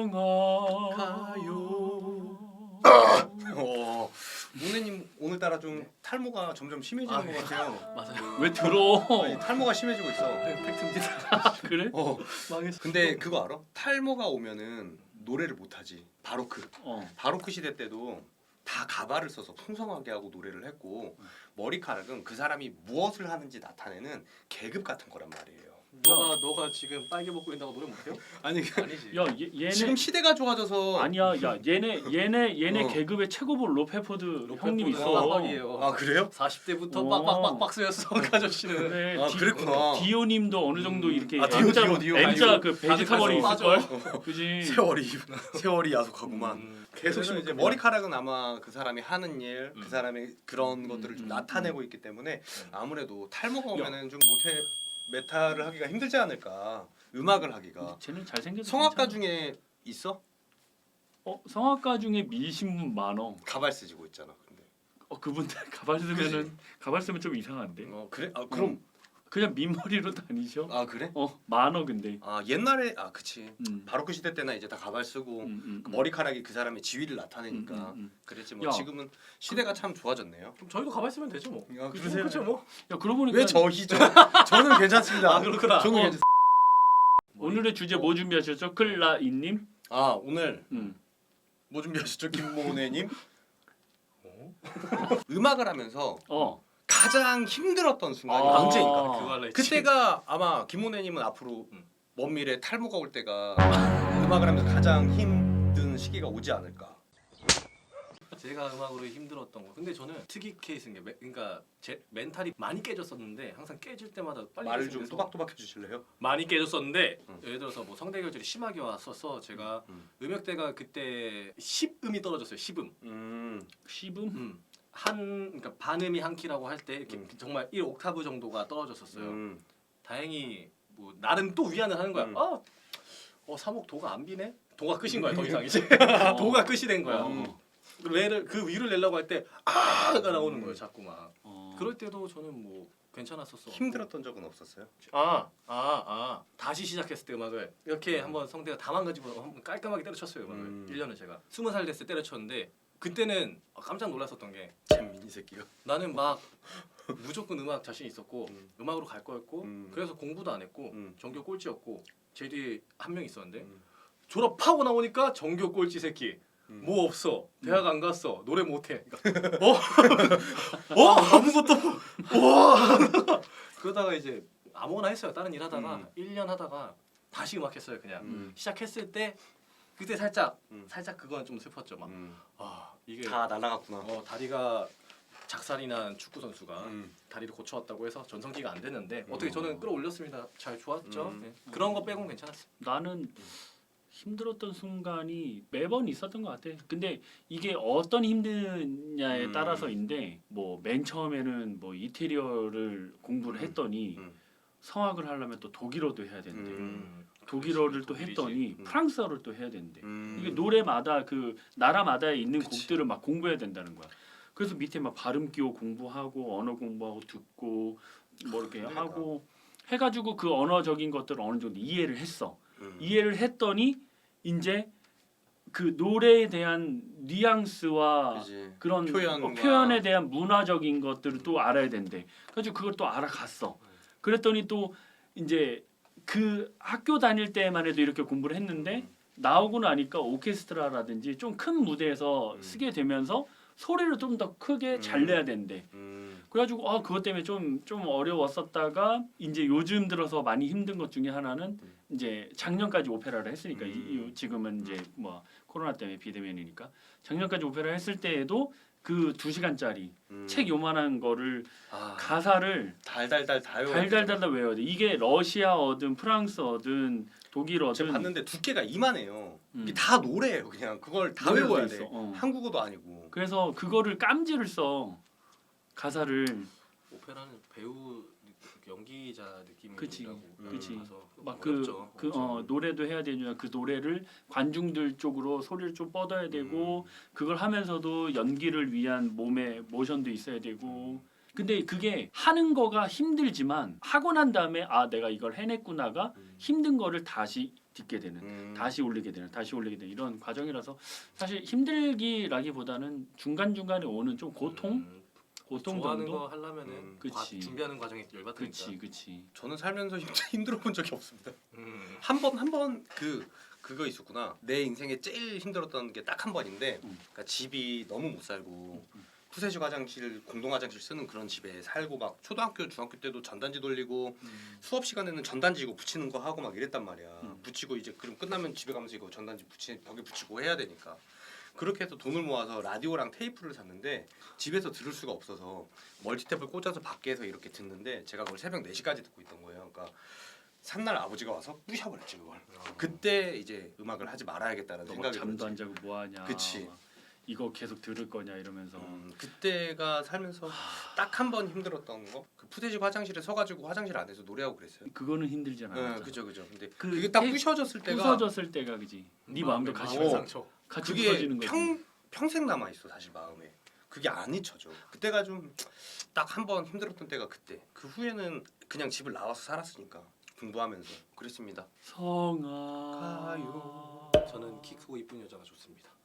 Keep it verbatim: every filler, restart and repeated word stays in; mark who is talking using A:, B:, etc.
A: 사랑하요. 어, 문혜님 오늘따라 좀 탈모가 점점 심해지는
B: 아,
A: 것 같아요.
B: 맞아요.
C: 왜 들어?
A: 아니, 탈모가 심해지고 있어.
B: 팩트입니다.
C: 그래?
A: 어,
B: 망했어.
A: 근데 그거 알아? 탈모가 오면은 노래를 못하지. 바로크.
C: 어.
A: 바로크 시대 때도 다 가발을 써서 풍성하게 하고 노래를 했고 머리카락은 그 사람이 무엇을 하는지 나타내는 계급 같은 거란 말이에요.
B: 너가 너가 지금 빨개 먹고 있다고 노래 못해요?
A: 아니
B: 아니지.
C: 야 얘, 얘네
A: 지금 시대가 좋아져서
C: 아니야. 야 얘네 얘네 얘네
A: 어.
C: 계급의 최고볼 로페포드 형님
B: 로페포드
C: 있어.
B: 빡빡이에요.
A: 아 그래요?
B: 사십 대부터
C: 어.
B: 빡빡빡 박스였어 그 아저씨는.
C: 그래.
A: 아, 그랬구나.
C: 디오님도 어느 정도
B: 음.
C: 이렇게
A: 아, 디오,
C: M자
A: 디오, 디오.
C: M자
A: 아이고,
C: 그
B: 다들
C: 베지터벌이
B: 가서
C: 있을 걸. 그지.
A: 세월이 세월이 야속하구만.
B: 음.
A: 계속
C: 그래서
A: 이제
C: 그냥-
A: 머리카락은 아마 그 사람이 하는 일,
B: 음.
A: 그 사람의 그런
C: 음,
A: 것들을 좀
C: 음,
A: 나타내고 있기 때문에
B: 음.
A: 아무래도 탈모가 오면은 좀 못해 메탈을 하기가 힘들지 않을까. 음악을 하기가.
C: 쟤는 잘생겨서
A: 성악가
C: 괜찮아.
A: 중에 있어?
C: 어 성악가 중에 미신 분 많어.
A: 가발 쓰고 있잖아. 근데.
C: 어 그분들 가발 쓰면은 가발 쓰면 좀 이상한데.
A: 어 그래? 아 그럼
C: 그냥 민머리로 다니셔.
A: 아 그래?
C: 어 많어 근데.
A: 아 옛날에 아 그치.
C: 음.
A: 바로크 시대 때나 이제 다 가발 쓰고
C: 음, 음,
A: 그
C: 음.
A: 머리카락이 그 사람의 지위를 나타내니까
C: 음, 음, 음.
A: 그랬지 뭐
C: 야.
A: 지금은 시대가 참 좋아졌네요.
B: 그럼 저희도 가발 쓰면 되죠 뭐.
A: 아,
B: 그죠?
A: 그러세요?
B: 그죠 뭐.
C: 야 그러고 보니까
A: 왜 저희죠? 저는 괜찮습니다.
B: 아, 그렇구나.
A: 저는
C: 어.
A: 괜찮.
C: 오늘의 주제 뭐 준비하셨죠? 클라이님?
A: 아 오늘
C: 음.
A: 뭐 준비하셨죠, 김모네님?
B: 어?
A: 음악을 하면서
C: 어.
A: 가장 힘들었던 순간이
C: 아.
A: 언제인가?
B: 그거 할라 했지.
A: 그때가 아마 김모네님은 앞으로
B: 음.
A: 먼 미래 탈모가 올 때가 음악을 하면서 가장 힘든 시기가 오지 않을까.
B: 제가 음악으로 힘들었던 거. 근데 저는 특이 케이스인 게, 매, 그러니까 제 멘탈이 많이 깨졌었는데 항상 깨질 때마다 빨리
A: 말을 좀
B: 깨져서
A: 또박또박 해주실래요?
B: 많이 깨졌었는데
A: 음.
B: 예를 들어서 뭐 성대결절이 심하게 왔어서 제가
A: 음.
B: 음역대가 그때 십 음이 떨어졌어요. 십 음.
A: 음.
C: 시분?
B: 음. 한 그러니까 반음이 한 키라고 할 때 이렇게
A: 음.
B: 정말 일 옥타브 정도가 떨어졌었어요.
A: 음.
B: 다행히 뭐 나름 또 위안을 하는 거야.
A: 음.
B: 아, 어 삼옥 도가 안 비네. 도가 끝인 거야 더 이상 이제.
C: 어.
B: 도가 끝이 된 거야.
C: 어.
B: 그 외를 그 위를 내려고 할 때 아가 나오는 거예요 자꾸 막.
C: 어.
B: 그럴 때도 저는 뭐 괜찮았었어.
A: 힘들었던 적은 없었어요?
B: 아, 아, 아. 다시 시작했을 때 음악을 이렇게
A: 음.
B: 한번 성대가 다 망가지고 한번 깔끔하게 때려쳤어요 음악을.
A: 음.
B: 일 년을 제가 스무 살 됐을 때 때려쳤는데 그때는 깜짝 놀랐었던 게
A: 잼민이 새끼가.
B: 나는 막 무조건 음악 자신 있었고
A: 음.
B: 음악으로 갈 거였고
A: 음.
B: 그래서 공부도 안 했고
A: 음.
B: 전교 꼴찌였고 제 뒤에 한 명 있었는데
A: 음.
B: 졸업하고 나오니까 전교 꼴찌 새끼.
A: 음.
B: 뭐 없어. 대학 안 갔어. 노래 못 해. 그러니까, 어? 어? 아무것도 와. 그러다가 이제 아무거나 했어요. 다른 일 하다가
A: 음.
B: 일 년 하다가 다시 음악 했어요. 그냥.
A: 음.
B: 시작했을 때 그때 살짝
A: 음.
B: 살짝 그건 좀 슬펐죠. 막
A: 음.
B: 아, 이게
A: 다 날아갔구나.
B: 어, 다리가 작살이 난 축구 선수가
A: 음.
B: 다리를 고쳐왔다고 해서 전성기가 안 됐는데
A: 음.
B: 어떻게 저는 끌어올렸습니다. 잘 좋았죠.
A: 음.
B: 네. 그런 거 빼고는 괜찮았어요.
C: 나는 힘들었던 순간이 매번 있었던 것 같아. 근데 이게 어떤 힘드냐에
A: 음.
C: 따라서인데 뭐 맨 처음에는 뭐 이태리어를 공부를
A: 음.
C: 했더니
A: 음.
C: 성악을 하려면 또 독일어도 해야 되는데
A: 음.
C: 독일어를 또
B: 독일이지.
C: 했더니
A: 음.
C: 프랑스어를 또 해야 되는데
A: 음.
C: 이게 노래마다 그 나라마다에 있는
A: 그치.
C: 곡들을 막 공부해야 된다는 거야. 그래서 밑에 막 발음 기호 공부하고 언어 공부하고 듣고 뭐 이렇게
A: 힘들겠다.
C: 하고 해가지고 그 언어적인 것들을 어느 정도 이해를 했어.
A: 음.
C: 이해를 했더니 이제 그 노래에 대한 뉘앙스와
A: 그지.
C: 그런
A: 표현과-
C: 어, 표현에 대한 문화적인 것들을 또 알아야 된대. 그래서 그걸 또 알아갔어. 그랬더니 또 이제 그 학교 다닐 때만 해도 이렇게 공부를 했는데 나오고 나니까 오케스트라라든지 좀 큰 무대에서
A: 음.
C: 쓰게 되면서 소리를 좀 더 크게
A: 음.
C: 잘 내야 된대.
A: 음.
C: 그래가지고 아 그것 때문에 좀 좀 어려웠었다가 이제 요즘 들어서 많이 힘든 것 중에 하나는
A: 음.
C: 이제 작년까지 오페라를 했으니까 이-
A: 음.
C: 이, 지금은 이제 뭐 코로나 때문에 비대면이니까 작년까지 오페라 했을 때에도 그 두 시간짜리
A: 음.
C: 책 요만한 거를
A: 아,
C: 가사를
A: 달달달 다 외워야
C: 달달달달 외워야 돼. 이게 러시아어든 프랑스어든 독일어든
A: 제가 봤는데 두께가 이만해요.
C: 음.
A: 이게 다 노래예요. 그냥 그걸 다
C: 노래도
A: 외워야
C: 있어.
A: 돼.
C: 어.
A: 한국어도 아니고.
C: 그래서 그거를 깜지를 써 가사를
B: 오페라는 배우 연기자
C: 그치.
B: 느낌이라고
C: 그치.
B: 가서
C: 막 그
B: 어렵죠.
C: 그 어 노래도 해야 되냐 그 노래를 관중들 쪽으로 소리를 좀 뻗어야 되고 그걸 하면서도 연기를 위한 몸의 모션도 있어야 되고 근데 그게 하는 거가 힘들지만 하고 난 다음에 아 내가 이걸 해냈구나가
A: 음.
C: 힘든 거를 다시 듣게 되는
A: 음.
C: 다시 올리게 되는 다시 올리게 되는 이런 과정이라서 사실 힘들기라기보다는 중간 중간에 오는 좀 고통
B: 음,
C: 고통
B: 좋아하는
C: 정도.
B: 거 하려면은
A: 음,
B: 과,
C: 그치.
B: 준비하는 과정이 열받으니까.
C: 그치 그치.
A: 저는 살면서 힘- 힘들어 본 적이 없습니다.
B: 음.
A: 한 번 한 번 그 그거 있었구나. 내 인생에 제일 힘들었던 게 딱 한 번인데,
C: 음.
A: 그러니까 집이 너무 못 살고
C: 음.
A: 푸세식 화장실 공동 화장실 쓰는 그런 집에 살고 막 초등학교 중학교 때도 전단지 돌리고
C: 음.
A: 수업 시간에는 전단지 이거 붙이는 거 하고 막 이랬단 말이야.
C: 음.
A: 붙이고 이제 그럼 끝나면 집에 가면서 이거 전단지 붙이 벽에 붙이고 해야 되니까. 그렇게 해서 돈을 모아서 라디오랑 테이프를 샀는데 집에서 들을 수가 없어서 멀티탭을 꽂아서 밖에서 이렇게 듣는데 제가 그걸 새벽 네 시까지 듣고 있던 거예요. 그러니까 산날 아버지가 와서 부셔버렸지 그걸.
B: 어.
A: 그때 이제 음악을 하지 말아야겠다는
C: 너 막
A: 생각이
C: 잠도 안
A: 들었지.
C: 자고 뭐 하냐.
A: 그치.
C: 막 이거 계속 들을 거냐 이러면서.
A: 음, 그때가 살면서 딱 한 번 힘들었던 거. 그 푸세식 화장실에 서가지고 화장실 안에서 노래하고 그랬어요.
C: 그거는 힘들잖아.
A: 네, 그죠 그죠. 근데
C: 그
A: 그게 딱
C: 테이프
A: 부셔졌을 때가
C: 부서졌을 때가 그지. 네 마음도 같이
A: 마음의
C: 부서-
B: 상처.
C: 같이
A: 그게
C: 부서지는 거지.
A: 평 평생 남아 있어 사실 마음에. 그게 안 잊혀져. 그때가 좀 딱 한 번 힘들었던 때가 그때. 그 후에는 그냥 집을 나와서 살았으니까 공부하면서 그랬습니다.
C: 성아.
A: 가요.
B: 저는 키 크고 이쁜 여자가 좋습니다.